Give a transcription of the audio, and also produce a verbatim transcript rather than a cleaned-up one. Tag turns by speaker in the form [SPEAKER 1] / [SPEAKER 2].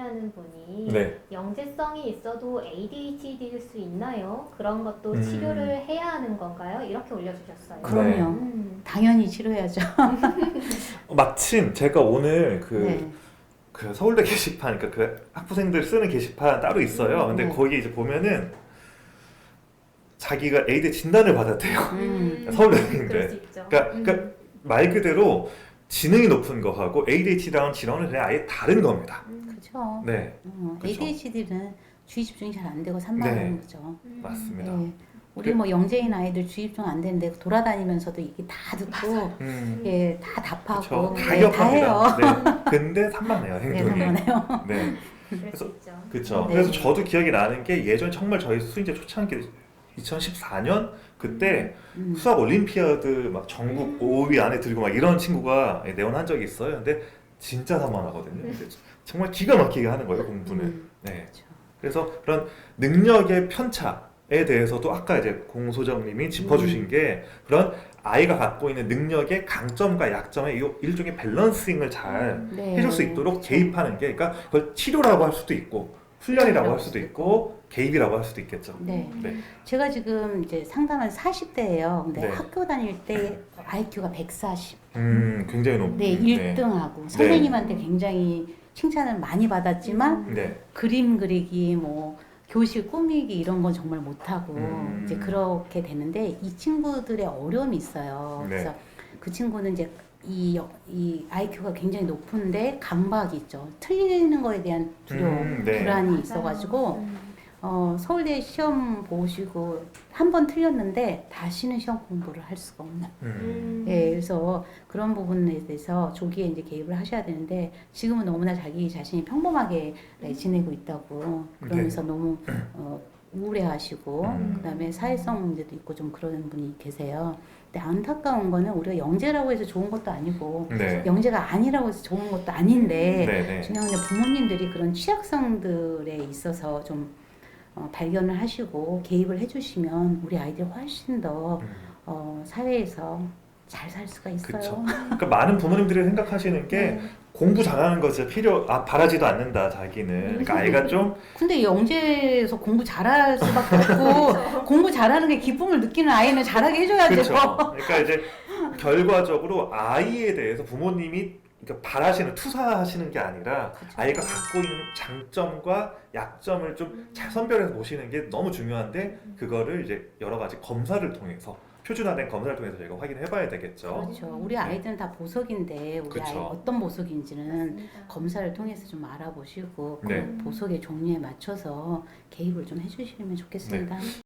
[SPEAKER 1] 하는 분이
[SPEAKER 2] 네.
[SPEAKER 1] 영재성이 있어도 에이디에이치디일 수 있나요? 그런 것도
[SPEAKER 2] 음.
[SPEAKER 1] 치료를 해야 하는 건가요? 이렇게 올려주셨어요.
[SPEAKER 3] 그럼요.
[SPEAKER 2] 네.
[SPEAKER 1] 음.
[SPEAKER 3] 당연히 치료해야죠.
[SPEAKER 2] 마침 제가 오늘 그,
[SPEAKER 3] 네.
[SPEAKER 2] 그 서울대 게시판, 그러니까 그 학부생들 쓰는 게시판 따로 있어요. 근데
[SPEAKER 3] 네.
[SPEAKER 2] 거기 이제 보면은 자기가 에이드 진단을 받았대요.
[SPEAKER 3] 음.
[SPEAKER 2] 서울대생인데.
[SPEAKER 1] 그럴 수 있죠.
[SPEAKER 2] 그러니까,
[SPEAKER 1] 음.
[SPEAKER 2] 그러니까 말 그대로 지능이 높은 거하고 에이디에이치디라는 질환은 그냥 아예 다른 겁니다.
[SPEAKER 1] 음.
[SPEAKER 3] 그죠.
[SPEAKER 2] 네,
[SPEAKER 3] 어,
[SPEAKER 2] 그쵸.
[SPEAKER 3] 에이디에이치디는 주의 집중이 잘 안 되고 산만한
[SPEAKER 2] 네.
[SPEAKER 3] 거죠.
[SPEAKER 1] 음.
[SPEAKER 2] 맞습니다.
[SPEAKER 3] 네. 우리 뭐 영재인 아이들 주의 집중 안 되는데 돌아다니면서도 이게 다 듣고
[SPEAKER 2] 음,
[SPEAKER 3] 예, 다 답하고
[SPEAKER 2] 그쵸. 다
[SPEAKER 3] 네, 다 해요.
[SPEAKER 2] 기억합니다. 네. 근데 산만해요,
[SPEAKER 3] 네,
[SPEAKER 2] 행동이.
[SPEAKER 3] 산만해요.
[SPEAKER 2] 네.
[SPEAKER 1] 그럴
[SPEAKER 2] 그래서-
[SPEAKER 1] 수 있죠.
[SPEAKER 2] 그쵸.
[SPEAKER 3] 네.
[SPEAKER 2] 그래서 저도 기억이 나는 게 예전에 정말 저희 수인제 초창기 이천십사 년 그때
[SPEAKER 3] 음.
[SPEAKER 2] 수학 올림피아드 막 전국
[SPEAKER 1] 음.
[SPEAKER 2] 오 위 안에 들고 막 이런 친구가 내원한 적이 있어요. 근데 진짜 산만하거든요.
[SPEAKER 1] 음.
[SPEAKER 2] 근데 정말 기가 막히게 하는 거예요, 공부는.
[SPEAKER 3] 음.
[SPEAKER 2] 네.
[SPEAKER 3] 그렇죠.
[SPEAKER 2] 그래서 그런 능력의 편차에 대해서도 아까 이제 공소장님이 짚어주신
[SPEAKER 3] 음.
[SPEAKER 2] 게 그런 아이가 갖고 있는 능력의 강점과 약점의 이 일종의 밸런싱을 잘
[SPEAKER 3] 네.
[SPEAKER 2] 해줄 수 있도록
[SPEAKER 3] 그렇죠.
[SPEAKER 2] 개입하는 게, 그러니까 그걸 치료라고 할 수도 있고 훈련이라고 할 수도 있고 개입이라고 할 수도 있겠죠.
[SPEAKER 3] 네.
[SPEAKER 2] 네.
[SPEAKER 3] 제가 지금 이제 상담한 사십 대예요. 근데
[SPEAKER 2] 네.
[SPEAKER 3] 학교 다닐 때 아이큐가 백사십.
[SPEAKER 2] 음, 굉장히 높은.
[SPEAKER 3] 네, 일 등하고 선생님한테 굉장히 칭찬을 많이 받았지만
[SPEAKER 2] 네.
[SPEAKER 3] 그림 그리기, 뭐 교실 꾸미기 이런 건 정말 못하고
[SPEAKER 2] 음.
[SPEAKER 3] 이제 그렇게 되는데 이 친구들의 어려움이 있어요.
[SPEAKER 2] 네.
[SPEAKER 3] 그래서 그 친구는 이제 이, 이 아이큐가 굉장히 높은데 강박이 있죠. 틀리는 거에 대한 두려움,
[SPEAKER 2] 음, 네.
[SPEAKER 3] 불안이
[SPEAKER 1] 맞아요.
[SPEAKER 3] 있어가지고
[SPEAKER 1] 음.
[SPEAKER 3] 어, 서울대 시험 보시고 한 번 틀렸는데 다시는 시험 공부를 할 수가 없는.
[SPEAKER 2] 음.
[SPEAKER 3] 예, 그래서 그런 부분에 대해서 조기에 이제 개입을 하셔야 되는데 지금은 너무나 자기 자신이 평범하게 네, 지내고 있다고 그러면서 너무 어, 우울해하시고
[SPEAKER 2] 음.
[SPEAKER 3] 그다음에 사회성 문제도 있고 좀 그런 분이 계세요. 근데 안타까운 거는 우리가 영재라고 해서 좋은 것도 아니고
[SPEAKER 2] 네.
[SPEAKER 3] 영재가 아니라고 해서 좋은 것도 아닌데
[SPEAKER 2] 네, 네.
[SPEAKER 3] 중요한 건 부모님들이 그런 취약성들에 있어서 좀 어, 발견을 하시고 개입을 해주시면 우리 아이들이 훨씬 더
[SPEAKER 2] 음.
[SPEAKER 3] 어, 사회에서 잘 살 수가 있어요.
[SPEAKER 2] 그쵸. 그러니까 많은 부모님들이 생각하시는 게
[SPEAKER 3] 네.
[SPEAKER 2] 공부 잘하는 것이 필요, 아, 바라지도 않는다, 자기는. 그러니까 아이가 좀,
[SPEAKER 3] 근데 영재에서 공부 잘할 수밖에 없고 공부 잘하는 게 기쁨을 느끼는 아이는 잘하게 해줘야죠.
[SPEAKER 2] 그렇죠. 그러니까 이제 결과적으로 아이에 대해서 부모님이 그러니까 바라시는, 투사하시는 게 아니라
[SPEAKER 3] 그쵸.
[SPEAKER 2] 아이가 갖고 있는 장점과 약점을 좀 잘 선별해서 보시는 게 너무 중요한데 그거를 이제 여러 가지 검사를 통해서 표준화된 검사를 통해서 저희가 확인해 봐야 되겠죠.
[SPEAKER 3] 그렇죠. 우리 아이들은 다 보석인데 우리
[SPEAKER 2] 그쵸.
[SPEAKER 3] 아이 어떤 보석인지는
[SPEAKER 1] 맞습니다.
[SPEAKER 3] 검사를 통해서 좀 알아보시고
[SPEAKER 2] 네.
[SPEAKER 3] 그 보석의 종류에 맞춰서 개입을 좀 해주시면 좋겠습니다.